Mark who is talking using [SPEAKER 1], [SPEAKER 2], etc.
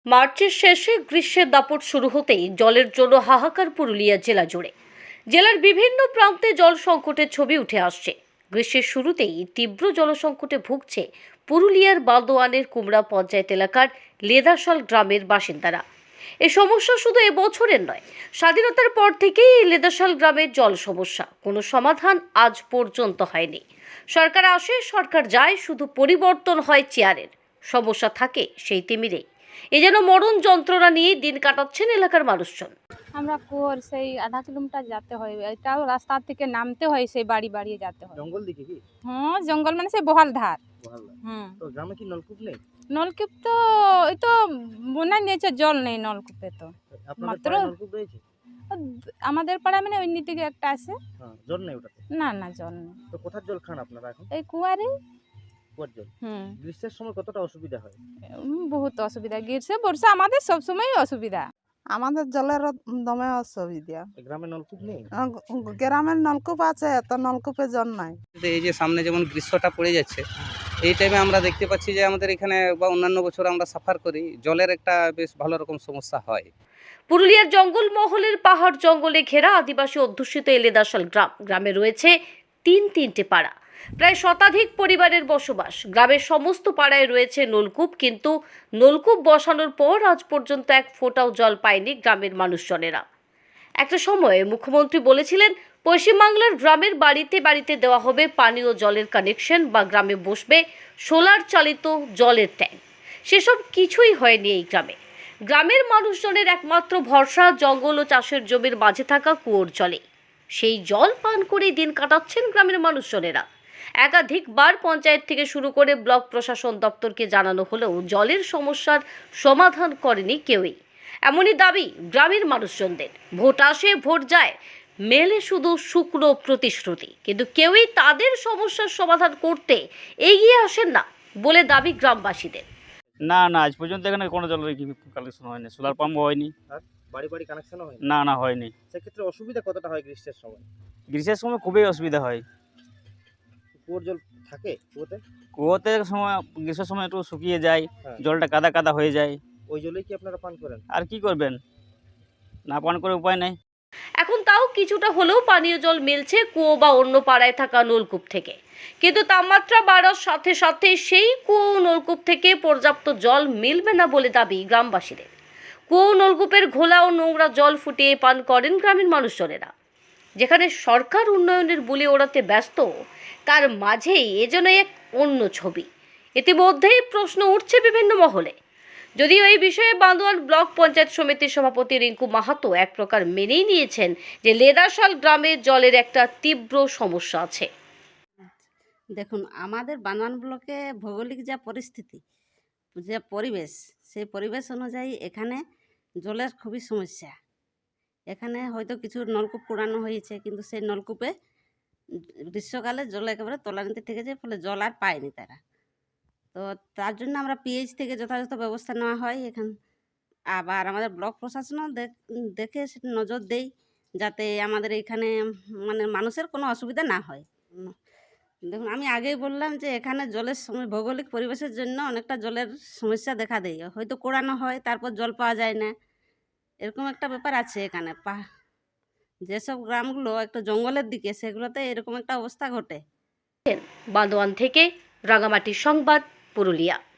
[SPEAKER 1] মার্চের শেষে গ্রীষ্মের দাপট শুরু হতেই জলের জন্য হাহাকার পুরুলিয়া জেলা জুড়ে। জেলার বিভিন্ন প্রান্তে জল সংকটের ছবি উঠে আসছে। গ্রীষ্মের শুরুতেই তীব্র জলসংকটে ভুগছে পুরুলিয়ার বান্দোয়ানের কুমড়া পঞ্চায়েত এলাকার লেদাশাল গ্রামের বাসিন্দারা। এই সমস্যা শুধু এবছরের নয়, স্বাধীনতার পর থেকেই এই লেদাশাল গ্রামের জল সমস্যা কোনো সমাধান আজ পর্যন্ত হয়নি। সরকার আসে, সরকার যায়, শুধু পরিবর্তন হয় চেয়ারের, সমস্যা থাকে সেই তিমিরেই। এ যেন মরণ যন্ত্রণা নিয়ে দিন কাটাচ্ছেন এলাকার মানুষজন।
[SPEAKER 2] আমরা কুয়োর সেই আধা কিলোমিটার যেতে হয়, এটাও রাস্তা থেকে নামতে হয়, সেই বাড়ি বাড়িয়ে যেতে হয়।
[SPEAKER 3] জঙ্গল দিকে কি?
[SPEAKER 2] হ্যাঁ, জঙ্গল মানে সেই বহাল ধার। হুম,
[SPEAKER 3] তো গ্রামে কি নলকূপ নেই?
[SPEAKER 2] নলকূপ তো ওই তো বোনা নিয়েছে, জল নেই নলকূপে। তো
[SPEAKER 3] আপনাদের
[SPEAKER 2] মাত্র
[SPEAKER 3] পাড়ায় নলকূপ রয়েছে?
[SPEAKER 2] আমাদের পাড়ায় মানে অন্য দিকে একটা আছে।
[SPEAKER 3] হ্যাঁ, জল নেই ওটাতে?
[SPEAKER 2] না না, জল নেই।
[SPEAKER 3] তো কোথার জল খান আপনারা এখন?
[SPEAKER 2] এই কুয়ারে।
[SPEAKER 3] কুয়ার জল?
[SPEAKER 2] হুম,
[SPEAKER 3] গ্রীষ্মের সময় কতটা অসুবিধা হয়?
[SPEAKER 2] বহুত অসুবিধা। গ্রীষ্ম বর্ষা আমাদের সবসময় অসুবিধা।
[SPEAKER 4] আমাদের জলের দমে অসুবিধা।
[SPEAKER 3] এই গ্রামে নলকূপ নেই?
[SPEAKER 4] গ্রামের নলকূপ আছে, তো নলকূপে জল নাই।
[SPEAKER 5] এই যে সামনে যেমন গ্রীষ্মটা পড়ে যাচ্ছে, এই টাইমে আমরা দেখতে পাচ্ছি যে আমাদের এখানে বা অন্যান্য বছর আমরা সাফার করি, জলের একটা বেশ ভালো রকম সমস্যা হয়।
[SPEAKER 1] পুরুলিয়ার জঙ্গলমহলের পাহাড় জঙ্গলে ঘেরা আদিবাসী অধ্যুষিত এই লেদাশাল গ্রামে রয়েছে তিনটে পাড়া, প্রায় শতাধিক পরিবারের বসবাস। গ্রামের সমস্ত পাড়ায় রয়েছে নলকূপ, কিন্তু নলকূপ বসানোর পর আজ পর্যন্ত এক ফোঁটাও জল পায়নি গ্রামের মানুষজনেরা। একটা সময়ে মুখ্যমন্ত্রী বলেছিলেন পশ্চিমবাংলার গ্রামের বাড়িতে বাড়িতে দেওয়া হবে পানীয় জলের কানেকশন বা গ্রামে বসবে সোলার চালিত জলের ট্যাঙ্ক। সেসব কিছুই হয়নি এই গ্রামে। গ্রামের মানুষজনের একমাত্র ভরসা জঙ্গল ও চাষের জমির মাঝে থাকা কুয়োর জলে। সেই জল পান করেই দিন কাটাচ্ছেন গ্রামের মানুষজনেরা। একাধিকবার পঞ্চায়েত থেকে শুরু করে ব্লক প্রশাসন দপ্তরকে জানানো হলেও জলের সমস্যার সমাধান করেনি কেউই। এমনই দাবি গ্রামের মানুষজনদের। ভোট আসে, ভোট যায়, মেলে শুধু শুকনো প্রতিশ্রুতি, কিন্তু কেউই তাদের সমস্যার সমাধান করতে এগিয়ে আসেন না বলে দাবি গ্রামবাসীদের।
[SPEAKER 6] না না, আজ পর্যন্ত এখানে কোনো জলের কালেকশন হয়নি, সোলার পাম্পও হয়নি।
[SPEAKER 3] আর বাড়ি বাড়ি কানেকশনও হয়
[SPEAKER 6] না না, হয়নি।
[SPEAKER 3] সেক্ষেত্রে অসুবিধা কতটা হয় গ্রীষ্মের সময়?
[SPEAKER 6] গ্রীষ্মের সময় খুবই অসুবিধা হয়।
[SPEAKER 3] কুয়োর জল থাকে কুয়োতে?
[SPEAKER 6] কুয়োতে সময় গ্রীষ্মের সময় একটু শুকিয়ে যায়,
[SPEAKER 3] হ্যাঁ।
[SPEAKER 6] জলটা কাদা কাদা হয়ে যায়।
[SPEAKER 3] ওই জলেই কি আপনারা পান করেন?
[SPEAKER 6] আর কি করবেন, না পান করে উপায় নেই।
[SPEAKER 1] এখন তাও কিছুটা হলেও পানীয় জল মিলছে কুয়ো বা অন্য পাড়ায় থাকা নলকূপ থেকে, কিন্তু তাপমাত্রা বাড়ার সাথে সাথে সেই কুয়ো নলকূপ থেকে পর্যাপ্ত জল মিলবে না বলে দাবি গ্রামবাসীদের। কুয়ো নলকূপের ঘোলা ও নোংরা জল ফুটিয়ে পান করেন গ্রামীণ মানুষজনেরা। যেখানে সরকার উন্নয়নের বুলি ওড়াতে ব্যস্ত, তার মাঝেই এ যেন এক অন্য ছবি। ইতিমধ্যেই প্রশ্ন উঠছে বিভিন্ন মহলে। যদিও এই বিষয়ে বান্দোয়ান ব্লক পঞ্চায়েত সমিতির সভাপতি রিঙ্কু মাহাতো এক প্রকার মেনেই নিয়েছেন যে লেদাশাল গ্রামে জলের একটা তীব্র সমস্যা আছে।
[SPEAKER 7] দেখুন, আমাদের বান্দোয়ান ব্লকে ভৌগোলিক যা পরিস্থিতি, যে পরিবেশ, সেই পরিবেশ অনুযায়ী এখানে জলের খুবই সমস্যা। এখানে হয়তো কিছু নলকূপ পুরানো হয়েছে, কিন্তু সেই নলকূপে গ্রীষ্মকালে জল একেবারে তলানিতে থেকে যায়, ফলে জল আর পায়নি তারা। তো তার জন্য আমরা পিএইচ থেকে যথাযথ ব্যবস্থা নেওয়া হয় এখান। আবার আমাদের ব্লক প্রশাসনও দেখে সেটা নজর দেই, যাতে আমাদের এখানে মানে মানুষের কোনো অসুবিধা না হয়। দেখুন, আমি আগেই বললাম যে এখানে জলের ভৌগোলিক পরিবেশের জন্য অনেকটা জলের সমস্যা দেখা দেয়। হয়তো কোড়ানো হয়, তারপর জল পাওয়া যায় না, এরকম একটা ব্যাপার আছে এখানে। যেসব গ্রামগুলো একটু জঙ্গলের দিকে, সেগুলোতে এরকম একটা অবস্থা ঘটে।
[SPEAKER 1] বান্দোয়ান থেকে রাঙামাটির সংবাদ, পুরুলিয়া।